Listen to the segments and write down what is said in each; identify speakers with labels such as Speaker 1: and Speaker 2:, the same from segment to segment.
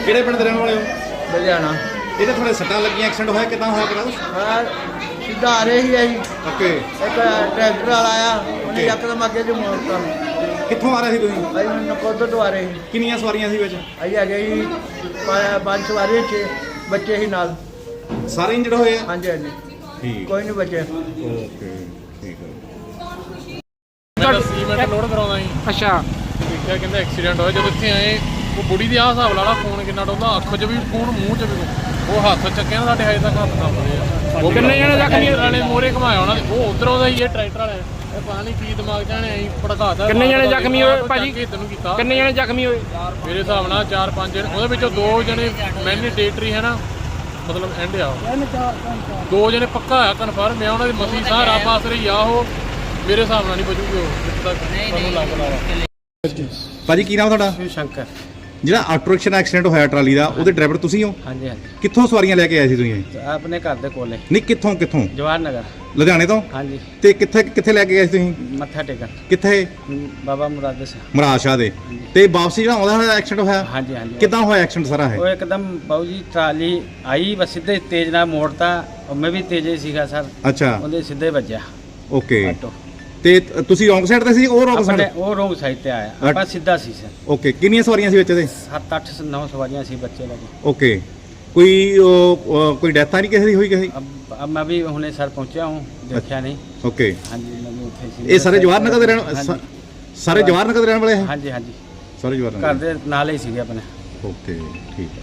Speaker 1: ਕਿਹੜੇ ਪਿੰਡ ਦੇ ਰਹਿਣ ਵਾਲੇ ਹੋ?
Speaker 2: ਲੁਧਿਆਣਾ।
Speaker 1: ਇਹਦੇ ਥੋੜੇ ਸੱਟਾਂ ਲੱਗੀਆਂ, ਐਕਸੀਡੈਂਟ ਹੋਇਆ, ਕਿੱਦਾਂ ਹੋਇਆ ਪਤਾ ਕੁਛ?
Speaker 2: ਸਿੱਧਾ ਆ ਰਹੇ ਸੀ ਅਸੀਂ।
Speaker 1: ਓਕੇ।
Speaker 2: ਇੱਕ ਟਰੈਕਟਰ ਵਾਲਾ ਆਇਆ, ਉਹਨੇ ਯਕਦਮ ਅੱਗੇ ਜੋ ਮੋੜਤਾ।
Speaker 1: ਕਿੱਥੋਂ ਆ ਰਹੇ ਸੀ ਤੁਸੀਂ?
Speaker 2: ਅਸੀਂ ਨਕੋਦਰ ਤੋਂ ਆ ਰਹੇ ਸੀ।
Speaker 1: ਕਿੰਨੀਆਂ ਸਵਾਰੀਆਂ ਸੀ ਵਿੱਚ?
Speaker 2: ਅਸੀਂ ਹੈਗੇ ਸੀ 5 ਸਵਾਰੀਆਂ, 6 ਬੱਚੇ ਸੀ ਨਾਲ।
Speaker 1: ਸਾਰੇ ਇੰਜਰਡ ਹੋਏ ਆ?
Speaker 2: ਹਾਂਜੀ ਹਾਂਜੀ,
Speaker 1: ਠੀਕ।
Speaker 2: ਕੋਈ ਨਹੀਂ ਬਚੇ।
Speaker 1: ਓਕੇ, ਠੀਕ ਹੈ।
Speaker 3: ਮੈਂ ਸੀਮੈਂਟ ਲੋਡ ਕਰਾਉਂਦਾ ਸੀ।
Speaker 4: ਅੱਛਾ।
Speaker 3: ਦੇਖਿਆ ਕਹਿੰਦਾ ਐਕਸੀਡੈਂਟ ਹੋਇਆ। ਜਦੋਂ ਇੱਥੇ ਆਏ ਉਹ ਬੁੜੀ ਦੀ ਆਹ ਹਿਸਾਬ ਲਾ ਲਾ, ਫੋਨ ਕਿੰਨਾ ਡੋਲਦਾ, ਅੱਖ 'ਚ ਵੀ ਫੋਨ, ਮੂੰਹ 'ਚ ਵੀ। ਉਹ ਹੱਥ ਚੱਕਿਆ ਨਾ ਸਾਡੇ, ਹਜੇ ਤੱਕ ਹੱਥ ਕੰਬਦੇ ਆ।
Speaker 4: ਉਹ ਕਿੰਨੇ ਜਣੇ ਜ਼ਖਮੀ
Speaker 3: ਵਾਲੇ ਮੋਰੇ ਘਮਾਇਆ ਉਹਨਾਂ ਦੇ, ਉਹ ਉਧਰੋਂ ਦਾ ਹੀ ਇਹ ਟਰੈਕਟਰ ਵਾਲੇ। ਇਹ ਪਤਾ ਨਹੀਂ ਕੀ ਦਿਮਾਗ ਜਾਣੇ ਐਂ ਭੜਕਾਤਾ।
Speaker 4: ਕਿੰਨੇ ਜਣੇ ਜ਼ਖਮੀ ਹੋਏ ਭਾਜੀ?
Speaker 3: ਤੈਨੂੰ ਕੀਤਾ
Speaker 4: ਕਿੰਨੇ ਜਣੇ ਜ਼ਖਮੀ ਹੋਏ?
Speaker 3: ਮੇਰੇ ਹਿਸਾਬ ਨਾਲ 4-5 ਜਣੇ, ਉਹਦੇ ਵਿੱਚੋਂ 2 ਜਣੇ ਮੈਂਡੇਟਰੀ ਹੈ ਨਾ, ਮਤਲਬ ਐਂਡ ਆ। 2 ਜਣੇ ਪੱਕਾ ਆ ਕਨਫਰਮ ਆ, ਉਹਨਾਂ ਦੀ ਮਸੀ ਸਾਹ ਰੱਬ ਆਸਰੇ ਆ। ਉਹ ਮੇਰੇ ਹਿਸਾਬ ਨਾਲ ਨਹੀਂ ਬਚੂਗੇ ਉਹ, ਜਿੱਥੇ ਤੱਕ ਮੈਨੂੰ ਲੱਗਦਾ।
Speaker 1: ਭਾਜੀ ਕੀ ਨਾਮ ਤੁਹਾਡਾ?
Speaker 2: ਸ਼ੰਕਰ।
Speaker 1: ਜਿਹੜਾ ਆਟੋ ਰਿਕਸ਼ਾ ਦਾ ਐਕਸੀਡੈਂਟ ਹੋਇਆ ਟਰਾਲੀ ਦਾ, ਉਹਦੇ ਡਰਾਈਵਰ ਤੁਸੀਂ ਹੋ?
Speaker 2: ਹਾਂਜੀ ਹਾਂਜੀ,
Speaker 1: ਕਿੱਥੋਂ ਸਵਾਰੀਆਂ ਲੈ ਕੇ ਆਏ ਸੀ ਤੁਸੀਂ?
Speaker 2: ਆਪਣੇ ਘਰ ਦੇ ਕੋਲੇ
Speaker 1: ਨਹੀਂ, ਕਿੱਥੋਂ?
Speaker 2: ਜਵਾਹਰ ਨਗਰ।
Speaker 1: ਲੁਧਿਆਣੇ ਤੋਂ?
Speaker 2: ਹਾਂਜੀ।
Speaker 1: ਤੇ ਕਿੱਥੇ ਲੈ ਕੇ ਗਏ ਸੀ ਤੁਸੀਂ?
Speaker 2: ਮੱਥਾ ਟੇਕਣ
Speaker 1: ਕਿੱਥੇ?
Speaker 2: ਬਾਬਾ ਮੁਰਾਦ ਸਿੰਘ।
Speaker 1: ਮਹਾਰਾਜ ਸ਼ਾਹ ਦੇ। ਤੇ ਵਾਪਸੀ ਜਿਹੜਾ ਆਉਂਦਾ ਹੋਇਆ ਐਕਸੀਡੈਂਟ ਹੋਇਆ?
Speaker 2: ਹਾਂਜੀ ਹਾਂਜੀ।
Speaker 1: ਕਿੱਦਾਂ ਹੋਇਆ ਐਕਸੀਡੈਂਟ ਸਾਰਾ
Speaker 2: ਉਹ
Speaker 1: ਹੈ?
Speaker 2: ਇੱਕਦਮ ਬਾਊ ਜੀ ਟਰਾਲੀ ਆਈ, ਬਸ ਸਿੱਧੇ ਤੇਜ਼ ਨਾਲ ਮੋੜਤਾ। ਮੈਂ ਵੀ ਤੇਜ਼ ਹੀ ਸੀਗਾ ਸਰ,
Speaker 1: ਅੱਛਾ।
Speaker 2: ਉਹਦੇ ਸਿੱਧੇ ਵੱਜਿਆ
Speaker 1: ਓਕੇ।
Speaker 2: ਆਟੋ।
Speaker 1: ਤੇ ਤੁਸੀਂ ਰੋਂਗ ਸਾਈਡ ਤੇ ਸੀ, ਉਹ ਰੋਂਗ ਸਾਈਡ?
Speaker 2: ਉਹ ਰੋਂਗ ਸਾਈਡ ਤੇ ਆਇਆ, ਆਪਾਂ ਸਿੱਧਾ ਸੀ ਸਰ।
Speaker 1: ਓਕੇ। ਕਿੰਨੀਆਂ ਸਵਾਰੀਆਂ ਸੀ ਵਿੱਚ ਇਹਦੇ?
Speaker 2: 7-8 9 ਸਵਾਰੀਆਂ ਸੀ, ਬੱਚੇ ਲੱਗੇ।
Speaker 1: ਓਕੇ। ਕੋਈ ਡੈਥ ਤਾਂ ਨਹੀਂ ਕਿਸੇ ਦੀ ਹੋਈ ਕਿਸੇ?
Speaker 2: अब मैं भी हुने सर पहुंचा हूँ, देखा नहीं।
Speaker 1: ਓਕੇ।
Speaker 2: हाँ जी, मैं भी उत्थे सी।
Speaker 1: ਇਹ ਸਾਰੇ ਜਵਾਹਰ ਨਗਰ ਦੇ ਰਹਿਣ
Speaker 2: हाँ जी।
Speaker 1: ਸਾਰੇ ਜਵਾਹਰ ਨਗਰ ਦੇ ਰਹਿਣ ਵਾਲੇ ਹੈ?
Speaker 2: हाँ जी हाँ जी,
Speaker 1: ਸਾਰੇ ਜਵਾਹਰ
Speaker 2: घर
Speaker 1: ਨਗਰ।
Speaker 2: दे नाले ही सीगे अपने।
Speaker 1: ਓਕੇ, ਠੀਕ ਹੈ।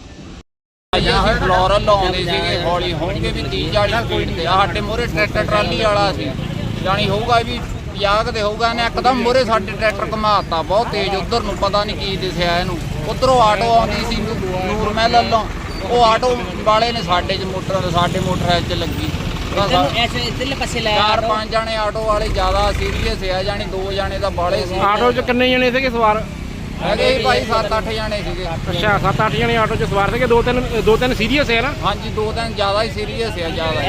Speaker 5: ਫਲੋਰਲ ਲਾਉਂਦੇ ਸੀਗੇ, ਹੌਲੀ ਹੋਣਗੇ ਵੀ 30-40 ਸਪੀਡ ਤੇ। ਸਾਡੇ ਮੋਰੇ ਟਰੈਕਟਰ ਟਰਾਲੀ ਵਾਲਾ ਸੀ, ਜਾਣੀ ਹੋਊਗਾ ਵੀ 50 ਦੇ ਹੋਊਗਾ। ਇਹਨੇ ਇੱਕਦਮ ਮੋਰੇ ਸਾਡੇ ਟਰੈਕਟਰ ਘਮਾਤਾ ਬਹੁਤ ਤੇਜ਼, ਉਧਰ ਨੂੰ ਪਤਾ ਨਹੀਂ ਕੀ ਦਿਸਿਆ ਇਹਨੂੰ। ਉਧਰੋਂ ਆਟੋ ਆਉਂਦੀ ਸੀ ਨੂਰ ਮਹਿਲ ਵੱਲੋਂ, ਉਹ ਆਟੋ ਵਾਲੇ ਨੇ ਸਾਡੇ ਮੋਟਰ 'ਚ ਲੱਗੀ। 4-5 ਜਣੇ ਆਟੋ ਵਾਲੇ ਜ਼ਿਆਦਾ ਸੀਰੀਅਸ ਆ, ਜਾਣੀ 2 ਜਣੇ ਤਾਂ ਬਾਲੇ ਸੀ।
Speaker 4: ਆਟੋ 'ਚ ਕਿੰਨੇ ਜਣੇ ਸੀਗੇ ਸਵਾਰ?
Speaker 5: ਹੈਗੇ ਸੀ ਭਾਈ 7-8 ਜਣੇ ਸੀਗੇ।
Speaker 4: ਅੱਛਾ, 7-8 ਜਣੇ ਆਟੋ 'ਚ ਸਵਾਰ ਸੀਗੇ। ਦੋ ਤਿੰਨ ਸੀਰੀਅਸ ਹੈ ਨਾ?
Speaker 5: ਹਾਂਜੀ, 2-3 ਜ਼ਿਆਦਾ ਹੀ ਸੀਰੀਅਸ ਆ, ਜ਼ਿਆਦਾ।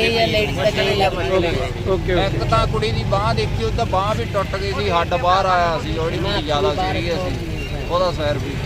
Speaker 4: ਓਕੇ।
Speaker 5: ਇੱਕ ਤਾਂ ਕੁੜੀ ਦੀ ਬਾਂਹ ਦੇਖੀ, ਉਹਦਾ ਬਾਂਹ ਵੀ ਟੁੱਟ ਗਈ ਸੀ, ਹੱਡ ਬਾਹਰ ਆਇਆ ਸੀ। ਜਿਹੜੀ ਜ਼ਿਆਦਾ ਸੀਰੀਅਸ ਸੀ, ਉਹਦਾ ਸਿਰ ਵੀ।